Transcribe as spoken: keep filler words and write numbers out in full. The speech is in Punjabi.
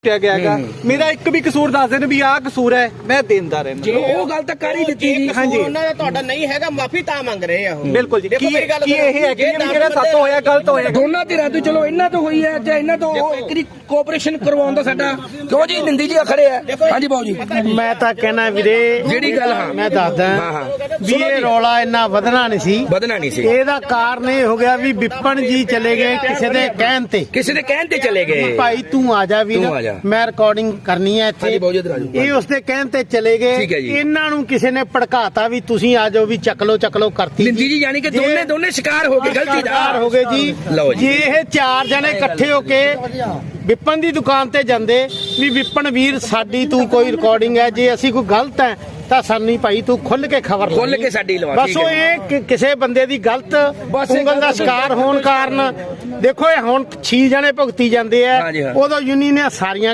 ਗਿਆ ਮੇਰਾ ਇੱਕ ਵੀ ਕਸੂਰ ਦੱਸ ਦੇਣ ਵੀ ਆਹ ਕਸੂਰ ਹੈ ਮੈਂ ਦੇਂਦਾ ਰਹਿਣਾ ਜੇ ਉਹ ਗੱਲ ਤਾਂ ਕਰ ਹੀ ਦਿੱਤੀ ਜੀ। ਹਾਂਜੀ ਉਹਨਾਂ ਦਾ ਤੁਹਾਡਾ ਨਹੀਂ ਹੈਗਾ ਮਾਫੀ ਤਾਂ ਮੰਗ ਰਹੇ ਆ ਉਹ ਬਿਲਕੁਲ ਜੀ ਕੀ ਕੀ ਇਹ ਹੈ ਕਿ ਜਿਹੜਾ ਸੱਤ ਹੋਇਆ ਗਲਤ ਹੋਇਆ ਦੋਨਾਂ ਧਿਰਾਂ ਤੋਂ ਚਲੋ ਇਹਨਾਂ ਤੋਂ ਹੋਈ ਹੈ ਜਾਂ ਇਹਨਾਂ ਤੋਂ ਉਹ ਇੱਕ ਦੀ ਕੋਆਪਰੇਸ਼ਨ ਕਰਵਾਉਣ ਦਾ ਸਾਡਾ ਕਿਉਂ ਜੀ ਨਿੰਦੀ ਜੀ ਖੜੇ ਆ। ਹਾਂਜੀ ਬਾਊ ਜੀ ਮੈਂ ਤਾਂ ਕਹਿਣਾ ਵੀਰੇ ਜਿਹੜੀ ਗੱਲ ਹਾਂ ਮੈਂ ਦੱਸਦਾ ਹਾਂ ਹਾਂ ਵੀ ਇਹ ਰੌਲਾ ਇੰਨਾ ਵਧਣਾ ਨਹੀਂ ਸੀ ਵਧਣਾ ਨਹੀਂ ਸੀ। ਇਹਦਾ ਕਾਰਨ ਇਹ ਹੋ ਗਿਆ ਵੀ ਵਿਪਨ ਜੀ ਚਲੇ ਗਏ ਕਿਸੇ ਦੇ ਕਹਿਣ ਤੇ ਕਿਸੇ ਦੇ ਕਹਿਣ ਤੇ ਚਲੇ ਗਏ ਭਾਈ ਤੂੰ ਆ ਜਾ ਵੀਰ ਤੂੰ ਆ ਜਾ। ਮੈਂ ਰਿਕਾਰਡਿੰਗ ਕਰਨੀ ਹੈ ਹਾਂਜੀ ਇੱਥੇ ਬਾਊ ਜੀ ਇੱਧਰ ਆ ਜਾਓ। ਇਹ ਉਸਦੇ ਕਹਿਣ ਤੇ ਚਲੇ ਗਏ ਠੀਕ ਹੈ ਜੀ। ਇਹਨਾਂ ਨੂੰ ਕਿਸੇ ਨੇ ਭੜਕਾਤਾ ਵੀ ਤੁਸੀਂ ਆ ਜਾਓ ਵੀ ਚੱਕ ਲੋ ਚੱਕ ਲੋ ਕਰਤੀ ਨਿੰਦੀ ਜੀ ਯਾਨੀ ਕਿ ਦੋਨੇ ਦੋਨੇ ਸ਼ਿਕਾਰ ਹੋ ਗਏ ਗਲਤੀ ਦਾ ਸ਼ਿਕਾਰ ਹੋ ਗਏ ਜੀ। ਲਓ ਜੀ। ਜੇ ਇਹ ਚਾਰ ਜਣੇ ਇਕੱਠੇ ਹੋ ਕੇ ਵਿਪਨ ਦੀ ਦੁਕਾਨ ਤੇ ਜਾਂਦੇ ਵੀ ਵਿਪਨ ਵੀਰ ਸਾਡੀ ਤੂੰ ਕੋਈ ਰਿਕਾਰਡਿੰਗ ਹੈ ਜੇ ਅਸੀਂ ਕੋਈ ਗਲਤ ਹੈ ਤਾਂ ਸਾਨੂੰ ਭਾਈ ਤੂੰ ਖੁੱਲ ਕੇ ਖਬਰ ਖੁੱਲ ਕੇ ਸਾਡੀ ਲਵਾ। ਬਸ ਉਹ ਇਹ ਕਿ ਕਿਸੇ ਬੰਦੇ ਦੀ ਗਲਤ ਬਸ ਇਹ ਉਂਗਲ ਦਾ ਸ਼ਿਕਾਰ ਹੋਣ ਕਾਰਨ ਦੇਖੋ ਇਹ ਹੁਣ ਛੇ ਜਣੇ ਭੁਗਤੀ ਜਾਂਦੇ ਆ ਹਾਂਜੀ ਹਾਂ। ਉਦੋਂ ਯੂਨੀ ਨੇ ਸਾਰੀਆਂ